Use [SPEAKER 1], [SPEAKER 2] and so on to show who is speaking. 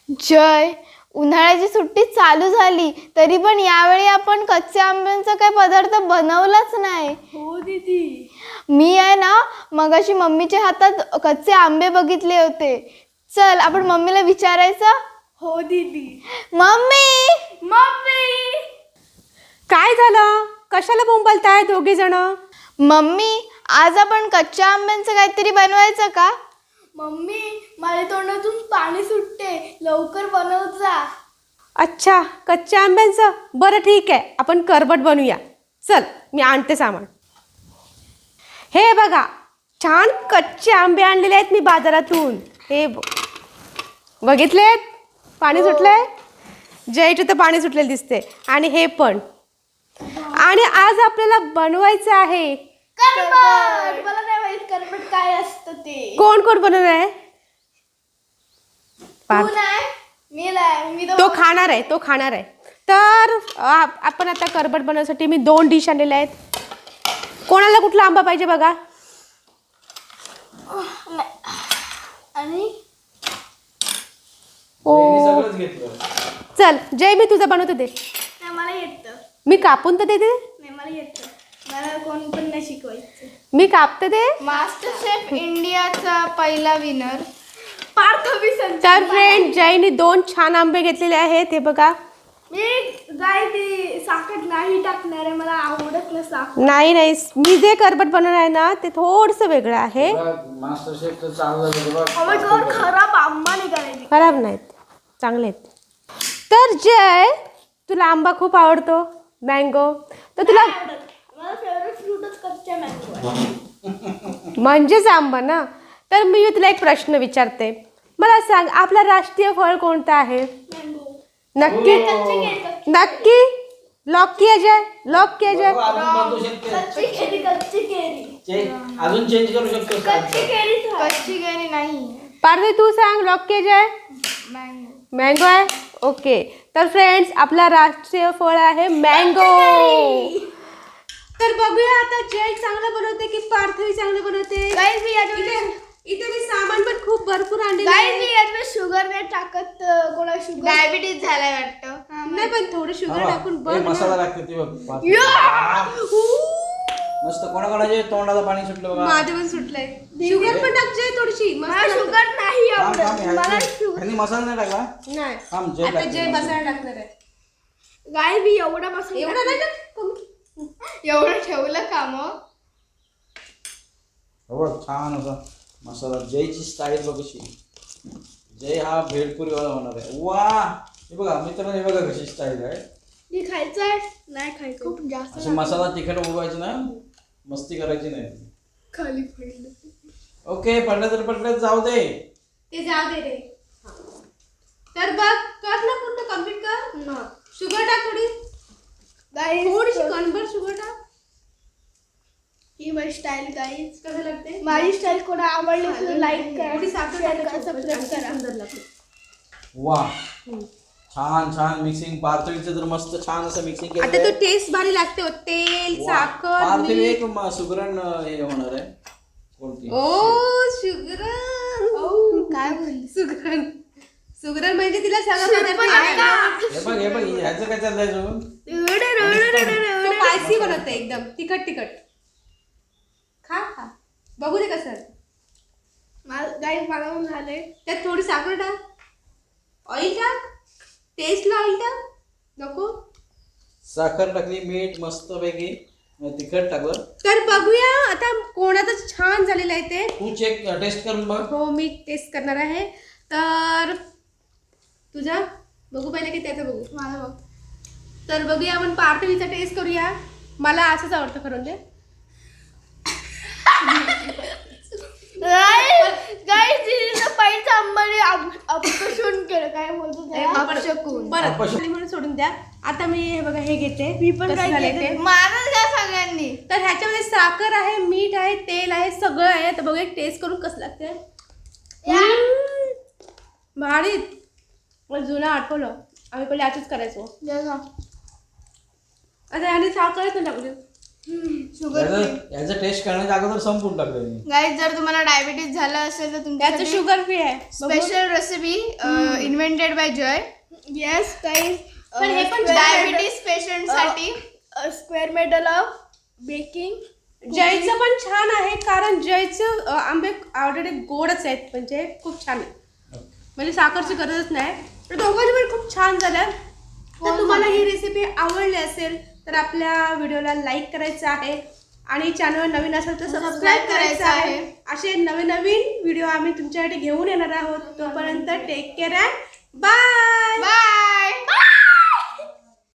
[SPEAKER 1] जय, उन्हाळ्याची सुट्टी चालू झाली तरी पण यावेळी आपण कच्च्या आंब्यांचा काही पदार्थ बनवलाच नाही.
[SPEAKER 2] हो दीदी.
[SPEAKER 1] मी आहे ना मगाशी मम्मीच्या हातात कच्चे आंबे बघितले होते. चल आपण मम्मीला विचारायचं.
[SPEAKER 2] हो दीदी.
[SPEAKER 1] Mummy
[SPEAKER 2] mummy.
[SPEAKER 3] काय झालं? कशाला बोंबलताय दोघे जण?
[SPEAKER 1] मम्मी, आज आपण कच्च्या आंब्यांचं काहीतरी बनवायचं का?
[SPEAKER 2] मम्मी, माझ्या तोंडातून पाणी सुटते, लवकर बनव जा.
[SPEAKER 3] अच्छा, कच्च्या आंब्यांचं. बरं ठीक आहे, आपण करबट बनवूया. चल मी आणते सामान. हे बघा, छान कच्चे आंबे आणलेले आहेत मी बाजारातून. हे बघितलेत? पाणी सुटलंय. जयचं तर पाणी सुटलेलं दिसते. आणि हे पण. आणि आज आपल्याला बनवायचं आहे
[SPEAKER 2] करबट. मला नाही माहित करबट काय असतं ते.
[SPEAKER 3] कोण कोण बनवणार आहे?
[SPEAKER 2] तू नाही, मी नाही. मी
[SPEAKER 3] तो खाणार आहे, तो खाणार आहे. तर आपण आता करबट बनवण्यासाठी मी 2 डिश आणलेल्या आहेत. कोणाला कुठला आंबा पाहिजे बघा.
[SPEAKER 2] आणि
[SPEAKER 3] ओ चल जय, मी तुझं बनवते दे.
[SPEAKER 2] नाही, मला येतं.
[SPEAKER 3] मी कापून तर देते.
[SPEAKER 2] नाही, मला येतं. मला कोण पण नाही शिकवायचं.
[SPEAKER 3] मी कापते दे.
[SPEAKER 1] मास्टर शेफ इंडियाचा पहिला विनर
[SPEAKER 2] पार्थवी संत.
[SPEAKER 3] तर फ्रेंड, जयने 2 छान आंबे घेतलेले आहेत. हे बघा.
[SPEAKER 2] मी गाय ती साखर नाही टाकणार आहे, मला आवडत नाही साखर.
[SPEAKER 3] नाही नाही, मी जे करबट बनवणार आहे ना ते थोडंसं वेगळं आहे.
[SPEAKER 4] मास्टर शेफ तर चाललं
[SPEAKER 2] खराब आंबा निघालाय.
[SPEAKER 3] खराब नाहीत, चांगले आहेत. तर जय, तुला आंबा खूप आवडतो, मँगो. तर तुला
[SPEAKER 2] मला फेवरेट फ्रूटच कच्चा मँगो आहे.
[SPEAKER 3] म्हणजेच आंबा ना. तर मी तुला एक प्रश्न विचारते. मला सांग, आपला राष्ट्रीय फळ कोणतं आहे?
[SPEAKER 2] मँगो.
[SPEAKER 3] नक्की नक्की लॉक किया जाए. लॉक किया जाए.
[SPEAKER 2] कच्ची केळी, कच्ची केळी.
[SPEAKER 4] अजून चेंज करू शकतो.
[SPEAKER 2] कच्ची केळीच आहे.
[SPEAKER 1] कच्ची केळी नाही,
[SPEAKER 3] पार्वती तू सांग, लॉक किया जाए.
[SPEAKER 1] मँगो.
[SPEAKER 3] मँगो आहे. ओके. तर फ्रेंड्स, आपला राष्ट्रीय फळ आहे मँगो. तर बघूया आता जय चांगलं बनवते की पार्थवी चांगलं बनवते.
[SPEAKER 2] गाईज मी याच्यामध्ये
[SPEAKER 3] इथे मी सामान पण खूप भरपूर आणले.
[SPEAKER 2] गाईज मी याच्यामध्ये शुगर नाही टाकत. कोणा शुगर
[SPEAKER 1] डायबिटीज झालाय वाटतं.
[SPEAKER 3] नाही, पण थोडं शुगर टाकून बघ ना.
[SPEAKER 4] मसाला लागते ती बघ. मस्त. कोणाकोणाचे तोंडाला पाणी सुटलं बघा.
[SPEAKER 3] माझं पण सुटलंय. शुगर पण टाकते थोडीशी.
[SPEAKER 2] मला शुगर नाही
[SPEAKER 4] थांब,
[SPEAKER 2] आवडत. मला शुगर
[SPEAKER 4] ह्यांनी मसाला नाही टाकला.
[SPEAKER 3] नाही.
[SPEAKER 4] थांब, जय
[SPEAKER 3] आता
[SPEAKER 4] टाकते.
[SPEAKER 3] जय मसाला टाकणार आहे.
[SPEAKER 2] गाईज मी एवढा मसाला
[SPEAKER 3] एवढं नाही टाक.
[SPEAKER 1] एवढं ठेवलं का मग?
[SPEAKER 4] हो बघ, छान असा मसाला. जयची स्टाईल बघ कशी. जय हा भेळपुरीवाला होणार आहे. वा, हे बघा मित्रांनो, हे बघा कशी स्टाईल आहे.
[SPEAKER 2] मी खायचं आहे नाही खायचं. खूप जास्त
[SPEAKER 4] अशी मसाला तिखट उगवायची ना, मस्ती करायची नाही.
[SPEAKER 2] खाली पडलं.
[SPEAKER 4] ओके, पडलं तर पडलं, जाऊ दे.
[SPEAKER 3] ते जाऊ दे रे. तर बघ, कर ना पूर्ण कम्प्लीट कर. शुगर टाक थोडी. थोडीशी कणभर शुगर टाक.
[SPEAKER 2] ही माझी स्टाईल गाईज.
[SPEAKER 3] कसं लागते?
[SPEAKER 2] माझी स्टाईल कोणा आवडली तर लाईक करा,
[SPEAKER 3] थोडी साखर
[SPEAKER 2] शेअर करा,
[SPEAKER 3] टाकायची.
[SPEAKER 2] सबस्क्राईब करा.
[SPEAKER 3] सुंदर लागते.
[SPEAKER 4] वा, छान छान मिक्सिंग. पार्थवीचं तर मस्त छान असं मिक्सिंग केलं.
[SPEAKER 3] आता तो टेस्ट भारी लागते. तेल, साखर,
[SPEAKER 4] पार्थवी
[SPEAKER 3] मीठ.
[SPEAKER 4] एक सुगरण हे होणार आहे. कोणती?
[SPEAKER 3] ओ शुगरन.
[SPEAKER 1] काय बोलली?
[SPEAKER 3] सुगरण. सुगरण म्हणजे तिला सगळं पदार्थ.
[SPEAKER 4] हे बघ ह्याचं काय चाललंय अजून?
[SPEAKER 3] तो स्पायसी बनवते एकदम तिखट तिखट. खा खा, बघू दे कसं.
[SPEAKER 2] गाईज मला पण झालंय.
[SPEAKER 3] त्यात थोडी साखर टाक. ऑइल टाक. टेस्टला ऑइल टाक. नको.
[SPEAKER 4] साखर टाकली, मीठ मस्त पैकी, तिखट टाकलं.
[SPEAKER 3] तर बघूया आता कोणाचं छान झालेलं आहे ते.
[SPEAKER 4] तू चेक टेस्ट करून बघ.
[SPEAKER 3] हो, मी टेस्ट करणार आहे. तर तुझा बघू पहिले की त्याचं बघू.
[SPEAKER 2] मला बघ.
[SPEAKER 3] तर बघूया आपण पार्थवीचा टेस्ट करूया. मला असंच आवडतं खरं म्हणजे.
[SPEAKER 2] गाईज पहिलं आंबाने अपशून केलं. काय बोलतो त्याला?
[SPEAKER 3] परत म्हणून सोडून द्या. आता मी हे बघा हे घेते.
[SPEAKER 2] मी पण
[SPEAKER 3] कसं
[SPEAKER 2] काय
[SPEAKER 3] झालंय
[SPEAKER 2] घेते?
[SPEAKER 3] ते.
[SPEAKER 1] मारच घ्या सगळ्यांनी.
[SPEAKER 3] तर ह्याच्यामध्ये साखर आहे, मीठ आहे, तेल आहे, सगळं आहे. तर बघूया टेस्ट करून कसं लागते. भारीत. मला जुनं आठवलं, आम्ही पहिले असंच करायचो.
[SPEAKER 2] जय गा.
[SPEAKER 3] आता याने साखरच नाही टाकली.
[SPEAKER 4] याचं टेस्ट करण्याच्या अगोदर संपून टाकलं मी.
[SPEAKER 2] गाईज जर तुम्हाला डायबिटीज झालं असेल तर
[SPEAKER 3] त्याचं
[SPEAKER 2] तुमच्यासाठी
[SPEAKER 3] शुगर फ्री आहे
[SPEAKER 2] special recipe invented by Jay. Yes guys
[SPEAKER 3] पण हे पण
[SPEAKER 2] डायबिटीज पेशंट साठी स्क्वेअर मेडल ऑफ बेकिंग.
[SPEAKER 3] जयचं पण छान आहे कारण जयचं आंबे ऑलरेडी गोडच आहेत म्हणजे खूप छान आहे म्हणजे साखरची गरजच नाही. तर दोघांची पण खूप छान झालं. तर तुम्हाला ही रेसिपी आवडली असेल तर आपल्या व्हिडिओला लाईक करायचं आहे आणि चॅनलवर नवीन असेल तर सबस्क्राईब करायचं आहे. असे नवीन नवीन व्हिडिओ आम्ही तुमच्यासाठी घेऊन येणार आहोत. तोपर्यंत take care and bye.
[SPEAKER 2] Bye.